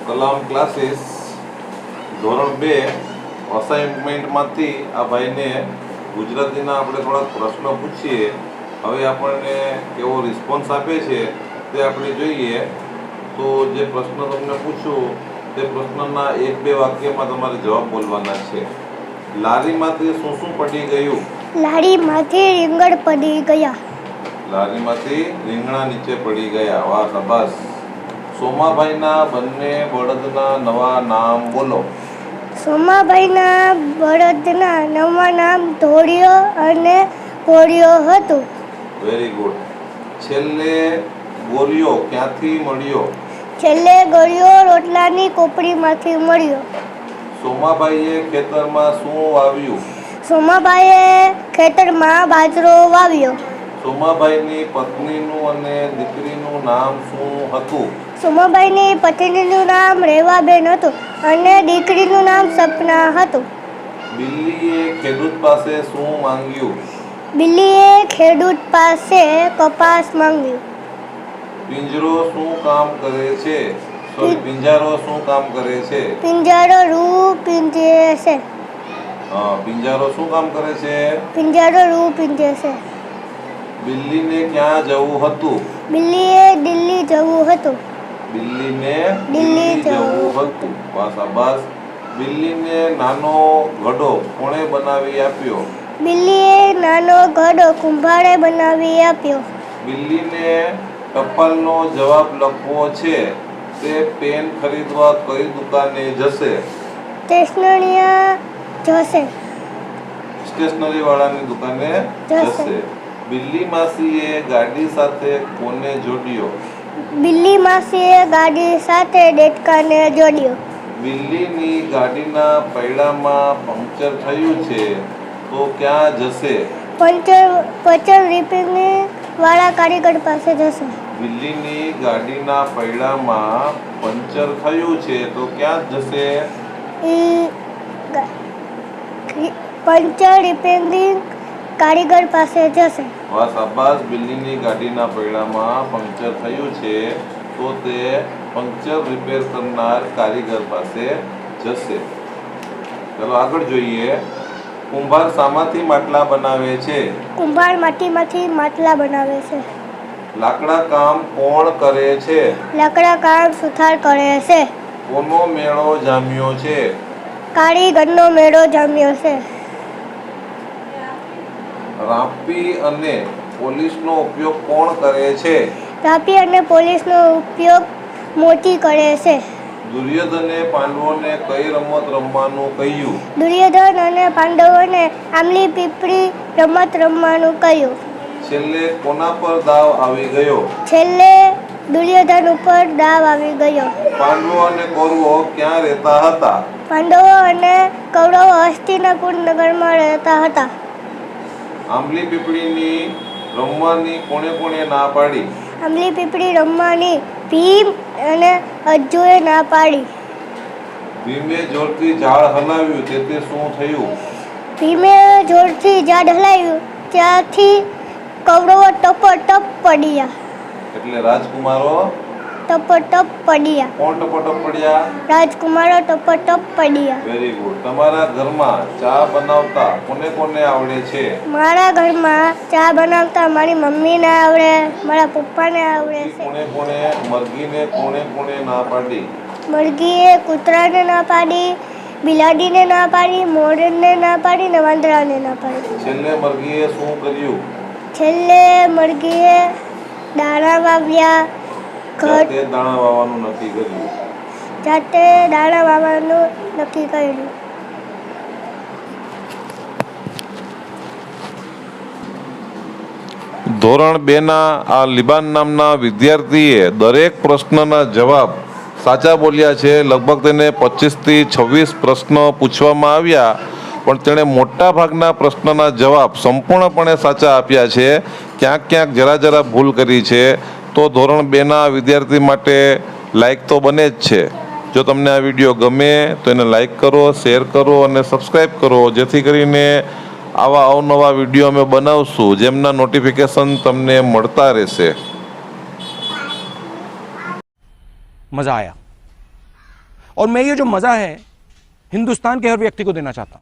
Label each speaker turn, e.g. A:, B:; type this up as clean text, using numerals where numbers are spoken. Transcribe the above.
A: Kalam classes ધોરણ 2 અસાઇનમેન્ટમાંથી આ ભાઈને ગુજરાતીના આપણે થોડાક પ્રશ્નો પૂછીએ. હવે આપણને કેવો રિસ્પોન્સ આપે છે તે આપણે જોઈએ. તો જે પ્રશ્ન તમને પૂછું તે પ્રશ્નના 1-2 વાક્યમાં તમારે જવાબ બોલવાના છે. લારીમાંથી શું શું પડી ગયું?
B: લારીમાંથી રીંગણ પડી ગયા.
A: લારીમાંથી રીંગણા નીચે પડી ગયા. વાહ, શાબાશ. સોમાભાઈના બંને બળદના નવા નામ બોલો.
B: સોમાભાઈના બળદના નવા નામ ધોળિયો અને ભોળિયો હતું.
A: Very good. છેલ્લે ગોળિયો ક્યાંથી મળ્યો?
B: છેલ્લે ગળ્યો રોટલાની કોપડીમાંથી મળ્યો.
A: સોમાભાઈએ ખેતરમાં શું વાવ્યું?
B: સોમાભાઈએ ખેતરમાં બાજરો વાવ્યો.
A: સોમાભાઈની પત્નીનું અને દીકરીનું નામ શું હતું?
B: સોમાભાઈની પત્નીનું નામ રેવાબેન હતું અને દીકરીનું નામ સપના હતું.
A: બિલ્લીએ ખેડૂત પાસે શું માંગ્યું?
B: બિલ્લીએ ખેડૂત પાસે કપાસ માંગ્યું.
A: પિંજરો શું કામ કરે છે? પિંજારો શું કામ કરે છે?
B: પિંજારો રૂ પીંજે છે.
A: પિંજારો શું કામ કરે છે?
B: પિંજારો રૂ પીંજે છે.
A: બિલ્લીને ક્યાં જવું હતું?
B: બિલ્લીએ દિલ્હી જવું હતું.
A: બિલ્લીને
B: દિલ્હી
A: જવું હતું. વાહ, શાબાશ. બિલ્લીને નાનો ઘડો કોણે બનાવી આપ્યો?
B: બિલ્લીએ નાનો ઘડો કુંભારે બનાવી આપ્યો.
A: બિલ્લીને ટપાલનો જવાબ લખવો છે. તે પેન ખરીદવા કઈ દુકાને જશે? સ્ટેશનરી વાળાની દુકાને જશે. બિલ્લી માસીએ ગાડી સાથે કોને જોડ્યો?
B: બિલ્લી માસીએ ગાડી સાથે દેડકાને જોડ્યો.
A: બિલ્લીની ગાડીના પૈડામાં પંક્ચર થયું છે તો ક્યાં જશે?
B: પંચર રિપેરિંગ વાળા કારીગર પાસે જશે.
A: બિલ્લીની ગાડીના પૈડામાં પંચર થયું છે તો ક્યાં જશે?
B: પંચર રિપેરિંગ કારીગર પાસે જશે.
A: વાહ, શાબાશ. બિલ્લીની ગાડીના પૈડામાં પંક્ચર થયું છે તો તે પંક્ચર રિપેર કરનાર કારીગર પાસે જશે. ચાલો આગળ જોઈએ. કુંભાર શામાંથી માટલા બનાવે છે?
B: કુંભાર માટીમાંથી માટલા બનાવે છે.
A: લાકડા કામ કોણ કરે છે?
B: લાકડા કામ સુથાર કરે છે.
A: કોનો મેળો જામ્યો છે?
B: કારીગરનો મેળો જામ્યો છે.
A: રાપી અને પોલીસનો ઉપયોગ કોણ કરે છે?
B: રાપી અને પોલીસનો ઉપયોગ મોતી કરે છે.
A: દુર્યોધને પાંડવોને કઈ રમત રમવાનું કહ્યું?
B: દુર્યોધન અને પાંડવોને આંબલી પીપળી રમત રમવાનું કહ્યું.
A: છેલ્લે કોના પર દાવ આવી ગયો?
B: છેલ્લે દુર્યોધન ઉપર દાવ આવી ગયો.
A: પાંડવો અને કૌરવો ક્યાં રહેતા હતા?
B: પાંડવો અને કૌરવો હસ્તિનાપુર નગરમાં રહેતા હતા.
A: આંબલી પીપળીની રમવાની કોણે ના પાડી?
B: આંબલી પીપળી રમવાની ભીમ અને અર્જુને ના પાડી.
A: ભીમે જોરથી ઝાડ હલાવ્યું તે શું થયું?
B: ભીમે જોરથી ઝાડ હલાવ્યું ત્યાંથી કૌરવો ટપોટપ પડ્યા.
A: એટલે રાજકુમારો
B: ટપોટપ પડ્યા.
A: કોણ ટપોટપ પડ્યા?
B: રાજકુમારો ટપોટપ પડ્યા.
A: Very good. તમારા ઘરમાં ચા બનાવતા કોને આવડે છે?
B: મારા ઘરમાં ચા બનાવતા મારી મમ્મીને આવડે, મારા પપ્પાને આવડે છે.
A: કોણે મરઘીને કોણે ના પાડી?
B: મરઘીએ કૂતરાને ના પાડી, બિલાડીને ના પાડી, મોરને ના પાડી ને વાંદરાને ના પાડી.
A: છેલ્લે મરઘીએ શું કર્યું?
B: છેલ્લે મરઘીએ દાણા વાવ્યા.
A: જાતે દાણા વાવવાનું નક્કી કર્યું.
B: જાતે દાણા વાવવાનું નક્કી કર્યું.
A: ધોરણ 2ના આ લિબાન નામના વિદ્યાર્થીએ દરેક પ્રશ્નના જવાબ સાચા બોલ્યા છે. લગભગ તેને 25થી 26 પ્રશ્નો પૂછવામાં આવ્યા પણ તેણે મોટા ભાગના પ્રશ્નના જવાબ સંપૂર્ણપણે સાચા આપ્યા છે. ક્યાંક જરા ભૂલ કરી છે. તો ધોરણ 2ના વિદ્યાર્થી માટે લાઈક તો બને જ છે. જો તમને આ વિડીયો ગમે તો એને લાઈક કરો, શેર કરો અને સબસ્ક્રાઈબ કરો, જેથી કરીને આવા અવનવા વિડીયો અમે બનાવશું જેમના નોટિફિકેશન તમને મળતા રહેશે.
C: મજા આયા. और मैं ये जो मज़ा है हिंदुस्तान के हर व्यक्ति को देना चाहता हूँ।